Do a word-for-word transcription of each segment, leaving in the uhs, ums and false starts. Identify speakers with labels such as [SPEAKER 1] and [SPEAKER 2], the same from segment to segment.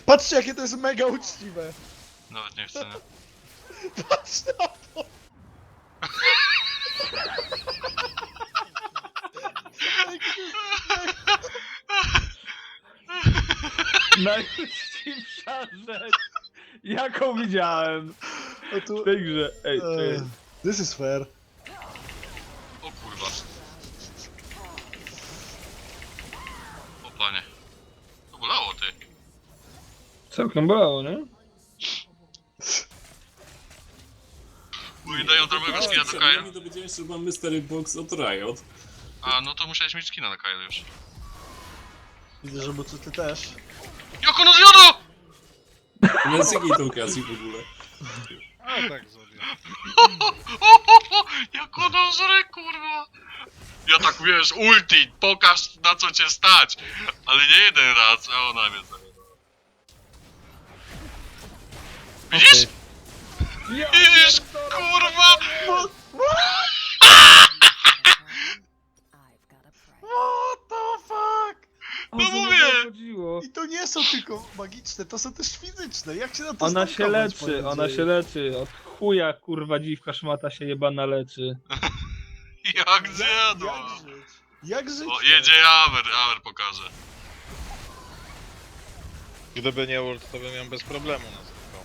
[SPEAKER 1] Patrzcie, jakie to jest mega uczciwe.
[SPEAKER 2] Nawet nie chcę, nie?
[SPEAKER 1] Patrz na to.
[SPEAKER 3] Najuczciwsza rzecz, jaką widziałem
[SPEAKER 1] O tu...
[SPEAKER 3] w tej grze. Ej,
[SPEAKER 1] Eee,
[SPEAKER 3] czekaj.
[SPEAKER 1] This is fair.
[SPEAKER 2] O kurwa. O panie. To bolało ty.
[SPEAKER 3] Całkiem bolało, nie?
[SPEAKER 2] Bo mi dają drobnego skina do Kaja.
[SPEAKER 4] Nie dowiedziałem się, że mam Mystery Box od Riot.
[SPEAKER 2] A, no to musiałeś mieć skina na Kaja już.
[SPEAKER 1] Widzę, że Bucu ty też.
[SPEAKER 2] Jako no zjodo!
[SPEAKER 4] Nie z jakiej to okazji w ogóle.
[SPEAKER 5] A tak sobie.
[SPEAKER 2] Jako no zre, kurwa! Ja tak wiesz, ulti, pokaż na co cię stać! Ale nie jeden raz, a ona mnie zajebała. Widzisz?
[SPEAKER 3] Ja
[SPEAKER 2] Widzisz, kurwa!
[SPEAKER 1] What the fuck?
[SPEAKER 3] O
[SPEAKER 2] No
[SPEAKER 3] co
[SPEAKER 2] mówię!
[SPEAKER 3] w ogóle chodziło?
[SPEAKER 1] I to nie są tylko magiczne, to są też fizyczne. Jak się na to
[SPEAKER 3] Ona się
[SPEAKER 1] stankować,
[SPEAKER 3] leczy,
[SPEAKER 1] panie
[SPEAKER 3] ona
[SPEAKER 1] dzieje?
[SPEAKER 3] się leczy. Od chuja kurwa dziwka szmata się jebana leczy.
[SPEAKER 2] Jak zjadła!
[SPEAKER 1] Jak żyć? Jak żyć?
[SPEAKER 2] O, jedzie Amer, Amer pokaże.
[SPEAKER 5] Gdyby nie ult, to bym ją bez problemu nazywał.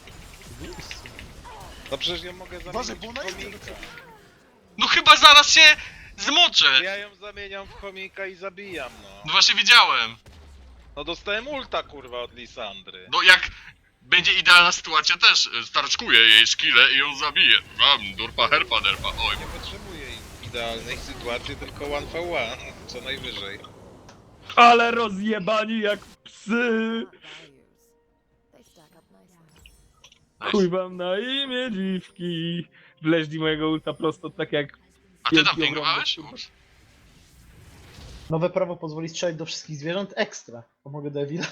[SPEAKER 5] No przecież ja mogę
[SPEAKER 1] Boże,
[SPEAKER 5] zamienić
[SPEAKER 1] bo
[SPEAKER 5] w
[SPEAKER 1] ona idzie do
[SPEAKER 5] chomika.
[SPEAKER 1] ciebie.
[SPEAKER 2] No chyba zaraz się zmoczę!
[SPEAKER 5] Ja ją zamieniam w chomika i zabijam,
[SPEAKER 2] No
[SPEAKER 5] no.
[SPEAKER 2] właśnie widziałem.
[SPEAKER 5] No dostałem ulta, kurwa, od Lisandry.
[SPEAKER 2] No jak będzie idealna sytuacja też y, starczkuję jej skillę i ją zabiję. Mam durpa herpa derpa, oj.
[SPEAKER 5] Nie potrzebuję idealnej sytuacji, tylko one for one, co najwyżej.
[SPEAKER 3] Ale rozjebani jak psy! Chuj wam na imię dziwki! Wleźli mojego ulta prosto tak jak...
[SPEAKER 2] A ty tam
[SPEAKER 3] wielki,
[SPEAKER 2] pingowałeś?
[SPEAKER 3] ogromny,
[SPEAKER 2] Ups.
[SPEAKER 1] Nowe prawo pozwoli strzelać do wszystkich zwierząt ekstra. Pomogę Devil.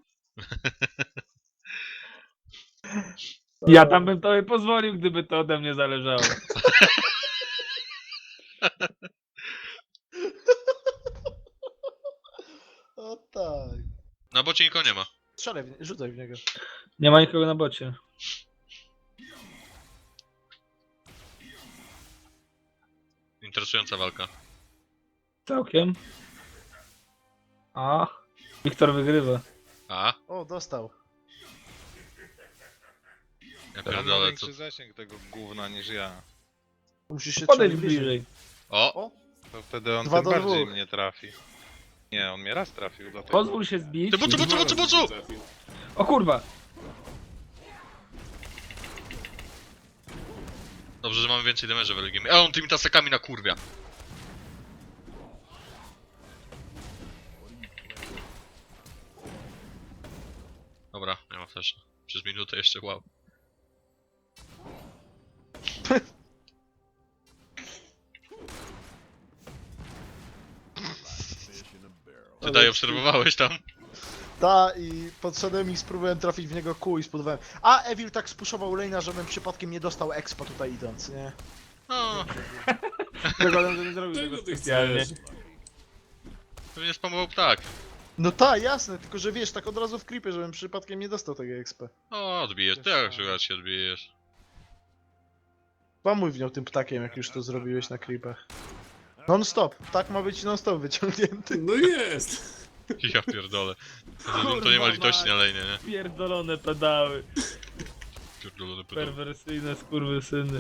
[SPEAKER 3] Ja tam bym tobie pozwolił, gdyby to ode mnie zależało.
[SPEAKER 1] O tak.
[SPEAKER 2] Na bocie nikogo nie ma.
[SPEAKER 1] Strzelaj, w nie, rzucaj w niego.
[SPEAKER 3] Nie ma nikogo na bocie.
[SPEAKER 2] Interesująca walka.
[SPEAKER 3] Całkiem. A, Wiktor wygrywa.
[SPEAKER 2] A?
[SPEAKER 1] O, dostał.
[SPEAKER 2] Ja
[SPEAKER 5] Ja mam
[SPEAKER 2] pierdolę, co...
[SPEAKER 5] większy zasięg tego gówna niż ja.
[SPEAKER 1] Musisz się
[SPEAKER 3] Podejdź
[SPEAKER 1] trzymać
[SPEAKER 3] bliżej.
[SPEAKER 2] O!
[SPEAKER 1] O,
[SPEAKER 5] To wtedy on
[SPEAKER 1] Dwa
[SPEAKER 5] tym
[SPEAKER 1] do
[SPEAKER 5] bardziej
[SPEAKER 1] dwóch.
[SPEAKER 5] mnie trafi. Nie, on mnie raz trafił, dlatego...
[SPEAKER 3] Pozwól się zbić.
[SPEAKER 2] Ty bucu, bucu, bucu, bucu!
[SPEAKER 4] Trafił.
[SPEAKER 3] O kurwa!
[SPEAKER 2] Dobrze, że mamy więcej damage'a w Elegimie. A on tymi tasakami na kurwia. Dobra, nie ma flasha. Przez minutę jeszcze, wow. Ty daj, obserwowałeś tam?
[SPEAKER 1] ta i podszedłem i spróbowałem trafić w niego kół i spodobałem. A Evil tak spuszował lane'a, żebym przypadkiem nie dostał expa tutaj idąc, nie?
[SPEAKER 2] O,
[SPEAKER 3] Tego on nie zrobił
[SPEAKER 4] Czego
[SPEAKER 3] tego
[SPEAKER 4] ty
[SPEAKER 3] specjalnie.
[SPEAKER 4] chcesz?
[SPEAKER 2] pewnie spamował ptak.
[SPEAKER 1] No tak, jasne, tylko że wiesz, tak od razu w creepie, żebym przypadkiem nie dostał tego expa.
[SPEAKER 2] O, odbijesz, ty jak się się odbijesz.
[SPEAKER 1] Pamuj w nią tym ptakiem, jak już to zrobiłeś na creepach. Non stop, ptak ma być non stop wyciągnięty.
[SPEAKER 4] No jest!
[SPEAKER 2] Ja pierdolę. To, to nie ma litości na lejnie, nie?
[SPEAKER 3] Pierdolone pedały.
[SPEAKER 2] Pierdolone pedał.
[SPEAKER 3] Perwersyjne skurwysyny.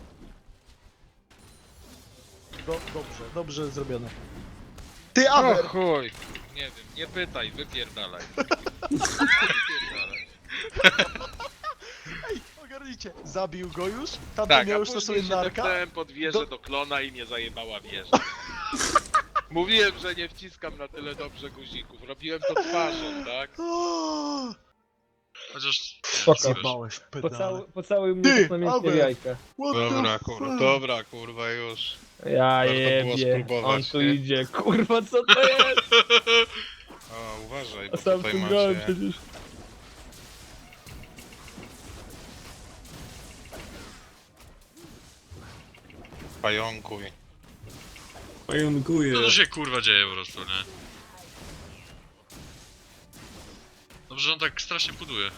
[SPEAKER 1] Do, dobrze, dobrze zrobione. Ty,
[SPEAKER 5] O
[SPEAKER 1] Aver!
[SPEAKER 5] chuj! Nie wiem, nie pytaj, wypierdalaj. Wypierdalaj.
[SPEAKER 1] Ej, ogarnijcie, zabił go już? Tamten
[SPEAKER 5] Tak,
[SPEAKER 1] miał
[SPEAKER 5] a
[SPEAKER 1] już to
[SPEAKER 5] później
[SPEAKER 1] sobie
[SPEAKER 5] się
[SPEAKER 1] narka?
[SPEAKER 5] tepnąłem pod wieżę
[SPEAKER 1] Do-
[SPEAKER 5] do klona i mnie zajebała wieża. Mówiłem, że nie wciskam na tyle dobrze guzików. Robiłem to twarzą, tak?
[SPEAKER 1] O,
[SPEAKER 2] Chociaż...
[SPEAKER 3] Spoko.
[SPEAKER 2] wiesz,
[SPEAKER 1] Zjebałeś pedale.
[SPEAKER 3] Pocałuj, pocałuj mnie
[SPEAKER 1] Ty,
[SPEAKER 3] tak namiętnie w
[SPEAKER 1] Albert.
[SPEAKER 3] jajka.
[SPEAKER 1] What the
[SPEAKER 5] Dobra,
[SPEAKER 1] fuck?
[SPEAKER 5] kurwa, dobra, kurwa, już.
[SPEAKER 3] Ja
[SPEAKER 5] Warto było
[SPEAKER 3] jebie.
[SPEAKER 5] spróbować,
[SPEAKER 3] On tu
[SPEAKER 5] nie?
[SPEAKER 3] idzie. Kurwa, co to jest?
[SPEAKER 5] O, uważaj,
[SPEAKER 3] A
[SPEAKER 5] bo
[SPEAKER 3] sam
[SPEAKER 5] tutaj
[SPEAKER 3] tu grałem
[SPEAKER 5] macie
[SPEAKER 3] przecież.
[SPEAKER 5] pająkuj.
[SPEAKER 4] Pająkuję.
[SPEAKER 2] Co tu się kurwa dzieje po prostu, nie? Dobrze, że on tak strasznie puduje.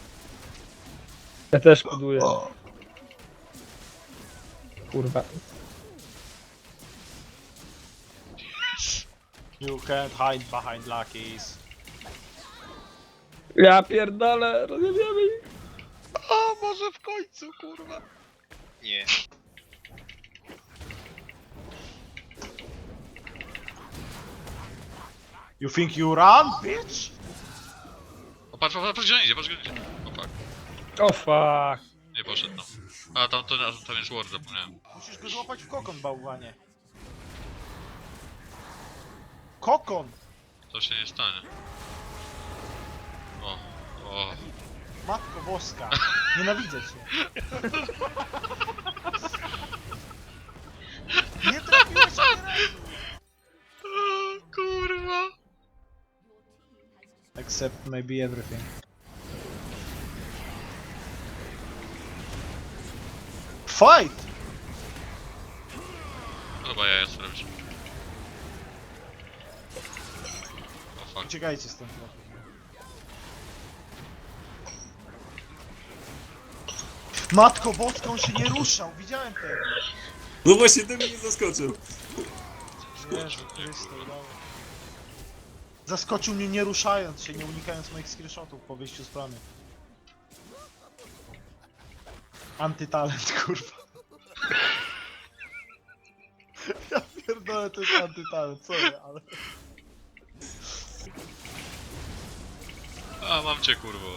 [SPEAKER 3] Ja też buduję. Kurwa.
[SPEAKER 1] You can't hide behind Lucky's.
[SPEAKER 3] Ja pierdolę, rozjebiamy ich.
[SPEAKER 5] O, może w końcu, kurwa. Nie.
[SPEAKER 1] You think you run, bitch?
[SPEAKER 2] O, patrz, patrz, patrz, gdzie on idzie, patrz, gdzie on idzie. O, fuck.
[SPEAKER 3] O fuck.
[SPEAKER 2] Nie poszedł, no. A, tam, to, tam jest ward, zapomniałem.
[SPEAKER 1] Musisz go złapać w kokon, bałwanie. Kokon!
[SPEAKER 2] To się nie stanie. O, o.
[SPEAKER 1] Matko boska. Nienawidzę cię. Nie trafiłeś mnie.
[SPEAKER 2] O, kurwa.
[SPEAKER 1] Except maybe everything. Fight!
[SPEAKER 2] Chyba ja jest robić. O, fuck.
[SPEAKER 1] Uciekajcie stąd. Matko boska, on się nie ruszał, widziałem tego.
[SPEAKER 4] No właśnie, ten mnie zaskoczył.
[SPEAKER 1] Jezu Chryste, udało. Zaskoczył mnie nie ruszając się, nie unikając moich screenshotów po wyjściu z plany. Antytalent, kurwa. Ja pierdolę, to jest antytalent, sorry, ale...
[SPEAKER 2] A, mam cię, kurwo.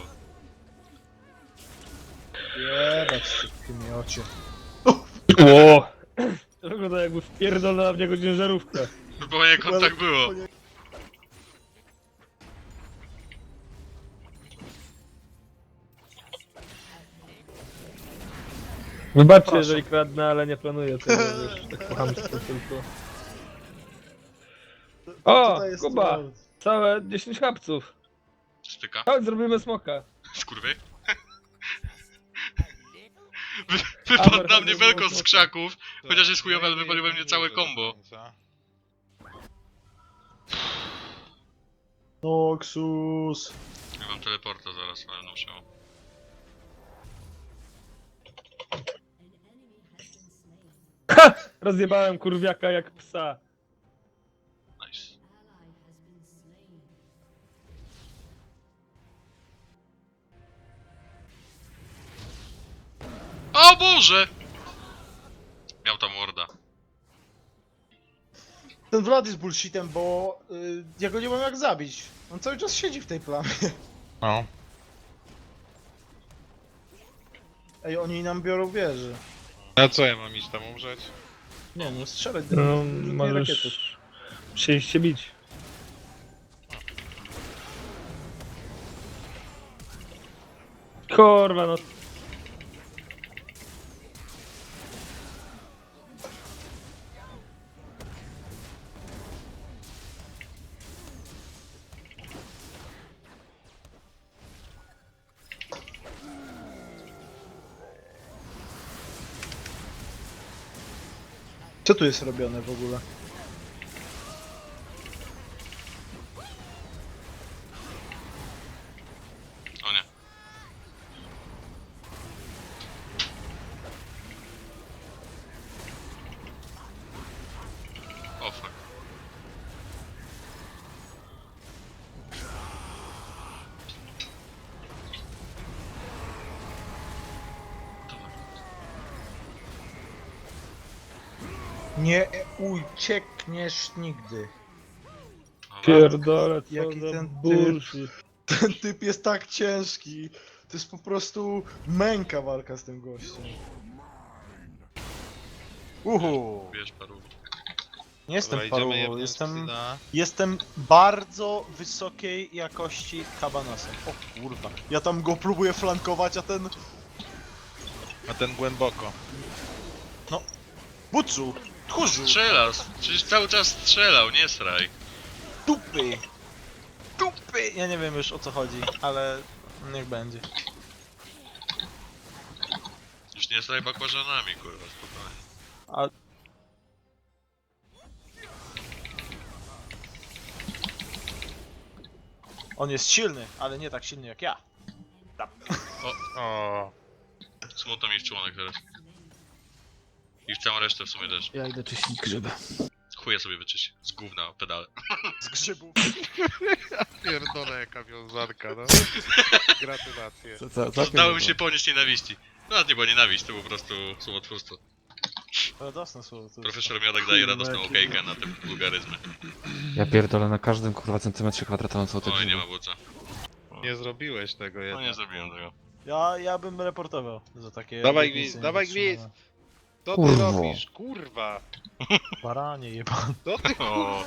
[SPEAKER 1] Jebać się w tym ocie.
[SPEAKER 3] O! To wygląda jakby wpierdolona w niego ciężarówkę.
[SPEAKER 2] Bo jak on tak było.
[SPEAKER 3] Wybaczcie,
[SPEAKER 1] Proszę.
[SPEAKER 3] jeżeli kradnę, ale nie planuję tego, wiesz, tak po chamsku tylko. O,
[SPEAKER 1] Tutaj jest
[SPEAKER 3] Kuba!
[SPEAKER 1] troll.
[SPEAKER 3] Całe dziesięć chapców.
[SPEAKER 2] Styka.
[SPEAKER 3] Chodź, zrobimy smoka.
[SPEAKER 2] Skurwy. Wy, wypadł na mnie belko z krzaków. Chociaż jest chujowe, ale wywalił we mnie całe combo.
[SPEAKER 1] Noxus.
[SPEAKER 2] Ja mam teleporta zaraz, ale no się.
[SPEAKER 3] Rozjebałem kurwiaka jak psa.
[SPEAKER 2] Nice. O Boże! Miał tam warda.
[SPEAKER 1] Ten Vlad jest bullshitem, bo y, ja go nie mam jak zabić. On cały czas siedzi w tej plamie.
[SPEAKER 5] No.
[SPEAKER 1] Ej, oni nam biorą wieży.
[SPEAKER 5] A co ja mam iść tam umrzeć?
[SPEAKER 1] Nie, no strzelać do
[SPEAKER 3] No,
[SPEAKER 1] nich,
[SPEAKER 3] możesz przyjść się bić. Kurwa, no.
[SPEAKER 1] Co tu jest robione w ogóle?
[SPEAKER 2] O nie. O fuck.
[SPEAKER 1] Nie uciekniesz nigdy.
[SPEAKER 2] Dobra.
[SPEAKER 3] Pierdolę, co
[SPEAKER 1] Jaki
[SPEAKER 3] za
[SPEAKER 1] ten typ.
[SPEAKER 3] bullshit.
[SPEAKER 1] Ten typ jest tak ciężki. To jest po prostu męka walka z tym gościem. Uhu.
[SPEAKER 2] Bierz paru.
[SPEAKER 1] Nie jestem
[SPEAKER 5] Dobra, idziemy
[SPEAKER 1] paru,
[SPEAKER 5] jebnąć
[SPEAKER 1] jestem,
[SPEAKER 5] Syna.
[SPEAKER 1] jestem bardzo wysokiej jakości kabanosem. O kurwa. Ja tam go próbuję flankować, a ten...
[SPEAKER 5] A ten głęboko.
[SPEAKER 1] Bucu! Tchórzu!
[SPEAKER 2] Strzela! Przecież cały czas strzelał, nie sraj.
[SPEAKER 1] Dupy! Dupy! Ja nie wiem już o co chodzi, ale niech będzie.
[SPEAKER 2] Już nie sraj bakłażanami, kurwa, spokojnie.
[SPEAKER 1] A... On jest silny, ale nie tak silny jak ja.
[SPEAKER 2] O, o. Smutno mi w członek teraz. I w całą resztę w sumie też.
[SPEAKER 3] Ja idę czyścić grzyby.
[SPEAKER 2] Chuje sobie wyczyść. Z gówna pedale.
[SPEAKER 1] Z grzybów.
[SPEAKER 5] Pierdolę jaka wiązanka, no. Gratulacje.
[SPEAKER 4] Co, co, co,
[SPEAKER 2] Dało mi się ponieść nienawiści. No to nie była nienawiść, to po prostu słowotwórstwo.
[SPEAKER 1] Radosne słowo. to jest.
[SPEAKER 2] Profesor Miodek daje radosną okejkę na te wulgaryzmy.
[SPEAKER 6] Ja pierdolę na każdym kurwa centymetrze kwadratowym są te
[SPEAKER 2] Oj, nie
[SPEAKER 6] grzyby.
[SPEAKER 2] ma buca.
[SPEAKER 5] Nie zrobiłeś tego
[SPEAKER 2] No
[SPEAKER 5] jednak.
[SPEAKER 2] nie zrobiłem tego.
[SPEAKER 1] Ja, ja bym reportował za takie...
[SPEAKER 5] Dawaj
[SPEAKER 1] obietnice
[SPEAKER 5] gwizd, dawaj
[SPEAKER 1] niedotrzymane.
[SPEAKER 5] gwizd! Co ty
[SPEAKER 6] Kurwo.
[SPEAKER 5] robisz? Kurwa!
[SPEAKER 1] Baranie jebany.
[SPEAKER 5] Co ty
[SPEAKER 2] O,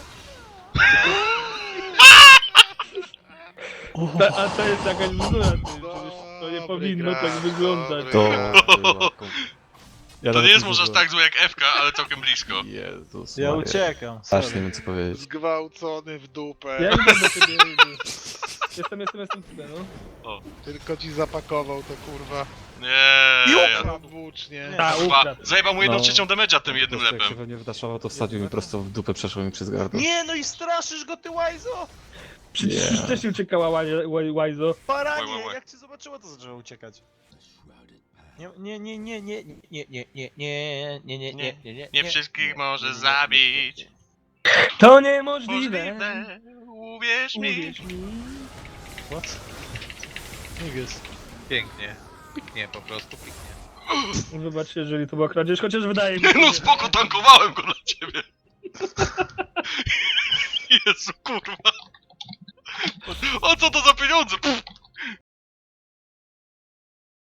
[SPEAKER 3] Ta, a to jest jakaś bzdura, ty. Przecież to nie
[SPEAKER 5] Dobry
[SPEAKER 3] powinno
[SPEAKER 5] gra,
[SPEAKER 3] tak wyglądać.
[SPEAKER 5] dobry
[SPEAKER 6] To
[SPEAKER 5] gra.
[SPEAKER 6] była kom- Ja
[SPEAKER 2] to
[SPEAKER 6] nawet
[SPEAKER 2] nie jest może aż
[SPEAKER 6] zdążyłem.
[SPEAKER 2] tak złe jak F K, ale całkiem blisko.
[SPEAKER 6] Jezus
[SPEAKER 1] Ja
[SPEAKER 6] Maria.
[SPEAKER 1] uciekam,
[SPEAKER 6] Aż
[SPEAKER 1] sorry.
[SPEAKER 6] nie wiem co powiedzieć.
[SPEAKER 5] Zgwałcony w dupę.
[SPEAKER 3] Ja idę do ciebie, idę. Jestem, jestem, jestem tutaj, no.
[SPEAKER 5] Tylko ci zapakował to kurwa.
[SPEAKER 2] Nie, ja...
[SPEAKER 5] Na włócznie.
[SPEAKER 1] Nie.
[SPEAKER 3] A,
[SPEAKER 2] Chyba
[SPEAKER 3] ukradł.
[SPEAKER 2] zajebał mu jedną
[SPEAKER 6] No.
[SPEAKER 2] trzecią damage'a tym
[SPEAKER 6] Po
[SPEAKER 2] jednym
[SPEAKER 6] prostu Jak się
[SPEAKER 2] lepem.
[SPEAKER 6] we mnie wdaszował, to wsadził mi prosto w dupę, przeszło mi przez gardło.
[SPEAKER 1] Nie, no i straszysz go, ty łajzo!
[SPEAKER 3] Przecież
[SPEAKER 6] Nie.
[SPEAKER 3] też uciekała Łaj- Łaj- Łajzo.
[SPEAKER 2] Łaj,
[SPEAKER 1] Baranie,
[SPEAKER 2] łaj, łaj.
[SPEAKER 1] jak cię zobaczyło, to zaczęło uciekać. Nie, nie, nie, nie, nie, nie, nie, nie, nie, nie, nie, nie, nie, nie, nie,
[SPEAKER 2] Nie wszystkich może zabić.
[SPEAKER 3] To niemożliwe.
[SPEAKER 2] Możliwe, uwierz mi.
[SPEAKER 3] Uwierz mi.
[SPEAKER 1] What? Nie jest.
[SPEAKER 5] Pięknie. Piknie po prostu, piknie.
[SPEAKER 3] Wybacz, jeżeli to była kradzież, chociaż wydaje mi się,
[SPEAKER 2] No
[SPEAKER 3] że-
[SPEAKER 2] spoko, tankowałem go dla ciebie. Jezu, kurwa. O co to za pieniądze? Pff.